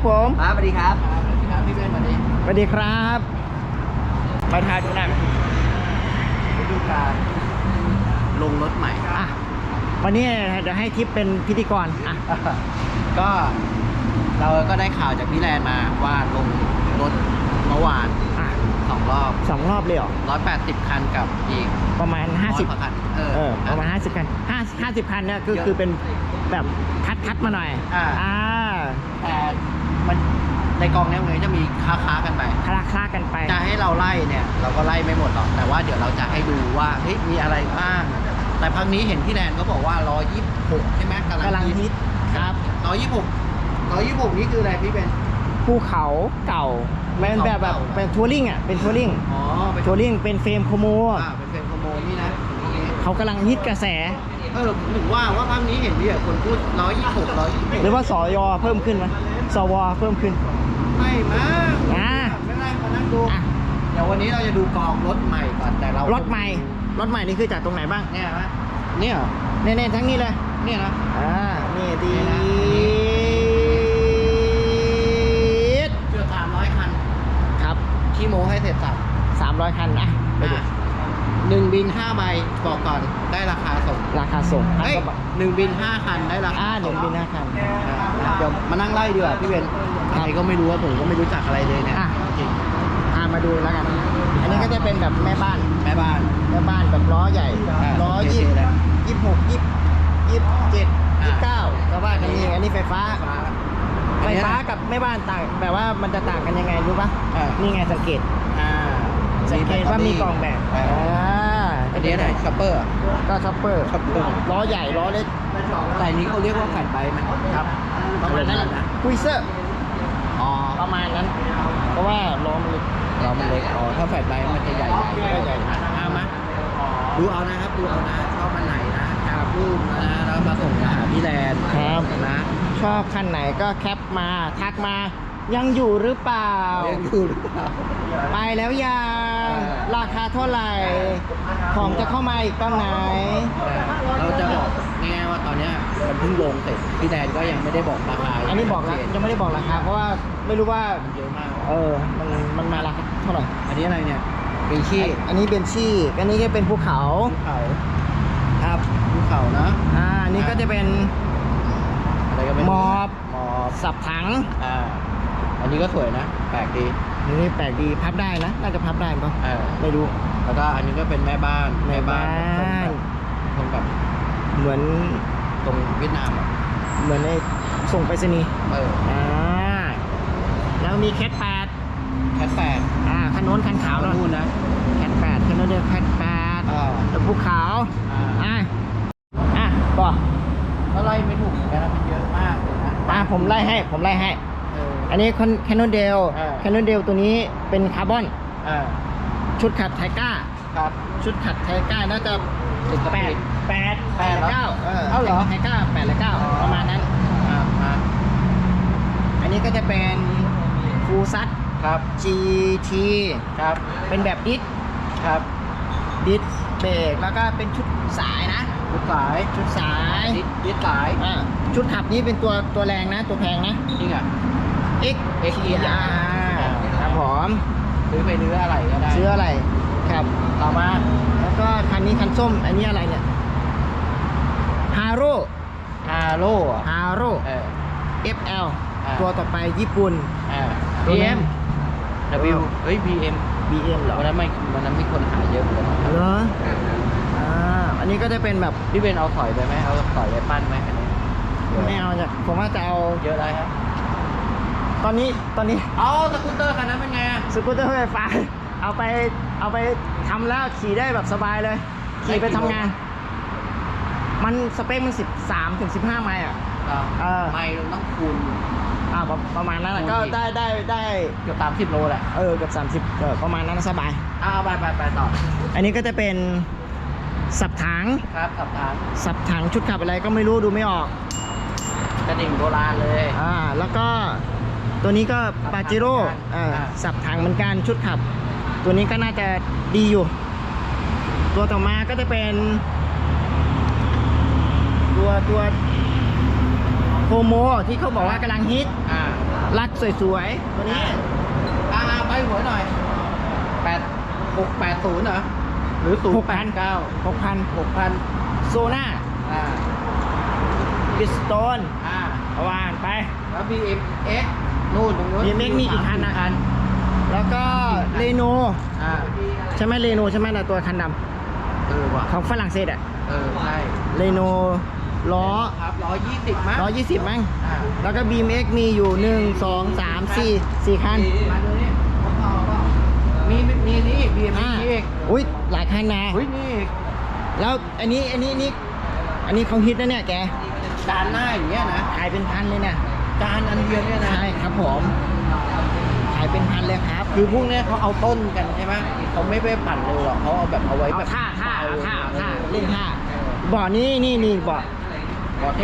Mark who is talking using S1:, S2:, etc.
S1: ผม
S2: ครับสวัสดีครับสวัสดีครับพี่เบนสวัสดี
S1: สวัสดีครับไปทายดูหน่อย
S2: ฤดูกาลลงรถใหม่
S1: อ่ะวันนี้จะให้ทิปเป็นพิธีกรอ่ะ
S2: ก็เราก็ได้ข่าวจากพี่แลนมาว่าลงรถเมื่อวาน
S1: อ่ะ
S2: 2 รอบ
S1: เลยเหรอ
S2: 180 คันกับอีก
S1: ประมาณ50
S2: คัน
S1: ประมาณ50 คัน50 คันเนี่ยคือเป็นแบบคัดมาหน่อย
S2: แต่มันในกองนี้มันจะมีค้ากันไปจะให้เราไล่เนี่ยเราก็ไล่ไม่หมดหรอกแต่ว่าเดี๋ยวเราจะให้ดูว่าเฮ้ยมีอะไรบ้างแต่พักนี้เห็นพี่แลนเขาบอกว่า126ใช่ไหมกำลังฮิตครับ126นี่คืออะไรพี่เป็น
S1: ภูเขาเก่าเป็นแบบเป็นทัวริงอ่ะเป็นทัวริงทัวริงเป็นเฟรมโคโม
S2: เป็นเฟรมโคโมนี่นะ
S1: เขากำลังฮิตกระแส
S2: ถึงว่าภาพนี้เห็นดิคนพูด126
S1: หรือว่าสยเพิ่มขึ้นไหมสวเพิ่มขึ้น
S2: ไม่มาไม่ได้มานั่งดูเดี๋ยววันนี้เราจะดูกองรถใหม่ก่อนแต่เรา
S1: รถใหม่นี่คือจากตรงไหนบ้าง
S2: เนี่ยไหมเนี่ย
S1: เนี่ยทั้งนี้เลย
S2: เนี่ยนะ
S1: นี่ดี
S2: เกือบ300 คัน
S1: ครับ
S2: ขี้โม้ให้เสร็จสับ
S1: 300 คันนะไปดู
S2: 1 บิน 5 ใบบอกก่อนได้ราคาส่ง1 บิน 5 คันได้ราคา
S1: 1 บิน 5 คัน
S2: เดี๋ยวมานั่งไล่ดีกว่าพี่เบนใครก็ไม่รู้ว่าผมก็ไม่รู้จักอะไรเลยเนี่ยจริง
S1: มาดูแล้วกันอันนี้ก็จะเป็นแบบแม่บ้านแบบล้อใหญ่ล้อ26 27 29ก็ว่ากันนี่อันนี้ไฟฟ้ากับแม่บ้านต่างแบบว่ามันจะต่างกันยังไงรู้ปะนี่ไงสังเกตว่ามีกล่องแบบ
S2: อันนี้อะไรช็อปเปอร์
S1: ก็ช็อปเปอร์ล้อใหญ่ล้อเล็ก
S2: แต่นี้เขาเรียกว่าแผ่นใบมันครับ
S1: ประมาณนั้นคุยเซอร์ประมาณนั้นเพราะว่าล้อมันเล็ก
S2: ถ้าแผ่นใบมันจะใหญ่มาดูเอานะครับดูเอานะชอบมันไหนนะครับรูปนะแล้วมาส่งหาพี่แลน
S1: ครับนะชอบคันไหนก็แคปมาทักมายังอยู่หรือเปล่าไปแล้วยังราคาเท่าไหร่ของจะเข้ามาอีกตอนไหน
S2: เราจะบอกง่ายๆว่าตอนนี้มันเพิ่งลงเสร็จพี่แดนก็ยังไม่ได้บอกราคา
S1: อันนี้บอกแล้วยังไม่ได้บอกราคาเพราะว่าไม่รู้ว่า
S2: เยอะมาก
S1: มันมาราคาเท่าไหร่
S2: อันนี้อะไรเนี่ยเบนชี่
S1: อันนี้เบนชี่อันนี้ก็เป็นภูเขา
S2: ครับภูเขานะ
S1: อันนี้ก็จะเป็น
S2: อะไรก็เป็น
S1: มอบสับถัง
S2: อันนี้ก็สวยนะแปลกดี
S1: นี่แปลกดีพับได้นะน่าจะพับได้ป่ะไม่รู้
S2: แล้วก็อันนี้ก็เป็นแม่บ้านตรงกับ
S1: เหมือน
S2: ตรงเวียดนาม
S1: เหมือนในส่งไปรษณีย์แล้วมีแคท8คันโน้นคันขาว
S2: นู่นนะ
S1: แคท8คันโน้นเดียวแคท8แล้วภูเขาก็
S2: ไล่ไม่ถูกเหมือนกันนะมันเยอะมากเลยนะ
S1: ผมไล่ให้อันนี้แคนนอนเดลตัวนี้เป็นคาร์บอนชุดขัดไทก้า
S2: ครับ
S1: ชุดขัดไทก้าน่าจะ8 9
S2: เอาเหรอ
S1: ไทก้า8 และ 9ประมาณนั้นอันนี้ก็จะเป็นฟูซัต
S2: ครับ
S1: GT
S2: ครับ
S1: เป็นแบบดิส
S2: ครับ
S1: ดิสเบรกแล้วก็เป็นชุดสายนะ
S2: ชุดสาย
S1: ดิสสายชุดขับนี้เป็นตัวแรงนะตัวแพงนะ
S2: จริงอ่ะ
S1: XER ครับผม
S2: ซื้อไปเนื้ออะไรก็ได้
S1: ซื้ออะไรครับต่อมาแล้วก็คันนี้คันส้มอันนี้อะไรเนี่ยฮาโร่FL ตัวต่อไปญี่ปุ่น
S2: BM
S1: เหรอ
S2: วันนั้นมีคนหาเยอะเลย
S1: เหรออันนี้ก็จะเป็นแบบ
S2: พี่เบนเอาถอยไปไหมเอาถอยไปปั้นไหมคันนี้
S1: ไม่เอาจ้ะผมว่าจะเอา
S2: เยอะเลยครับ
S1: ตอนนี้
S2: สกูตเตอร์คันนั้นเป็นไง
S1: สกูตเตอร์ไฟฟ้าเอาไปทำแล้วขี่ได้แบบสบายเลยขี่ไปทำงานมันสเปคมัน13 ถึง 15 ไมล์
S2: ไมล์ต้องคูณ
S1: ประมาณนั้นก็ได้
S2: เกือบ30 โลแหละ
S1: เกือบ30ประมาณนั้นสบาย
S2: ไปต่อ
S1: อันนี้ก็จะเป็นสับถัง
S2: ครับ
S1: สับถังชุดขับอะไรก็ไม่รู้ดูไม่ออก
S2: กระดิ่งโบราณเลย
S1: แล้วก็ตัวนี้ก็ปาเจโร่สับถังเหมือนกันชุดขับตัวนี้ก็น่าจะดีอยู่ตัวต่อมาก็จะเป็นตัวโคโมที่เขาบอกว่ากำลังฮิตลักสวยๆตัวนี้
S2: ไปหัวหน่อย680เหรอหรือ089
S1: 6,000 โซน่า บิสโตนว่านไป
S2: แล้ว BMX นู่นตรงนู้น
S1: BMX มีกี่คันนะ แล้วก็เรโนใช่ไหมเรโนใช่ไหมนะตัวคันด
S2: ว่ะ
S1: ำของฝรั่งเศสอะ
S2: ใช่
S1: เรโนล้อ
S2: ครับ120มั้ง
S1: 120 มั้ง แล้วก็ BMX มีอยู่ 1 2 3 4 คัน
S2: มาดูนี่มีนี่อีก BMX นี่อีก
S1: อุ้ยหลายคันนะ
S2: อุ้ยนี่อีก
S1: แล้วอันนี้เขาฮิตนะเนี่ยแก
S2: จานหน้าอย่างเงี้ยนะ
S1: ขายเป็นพันเลยเนี่ย
S2: จานอันเดียวเนี่ยนะ
S1: ใช่ครับผมขายเป็นพันเลยครับ
S2: คือพวกเนี้ยเขาเอาต้นกันใช่ไหมเขาไม่ไปปั่นเร็วหรอกเขาเอาแบบเอาไว้แบบ
S1: ท่าเล่นท่าบ่อนี้นี่บ่อ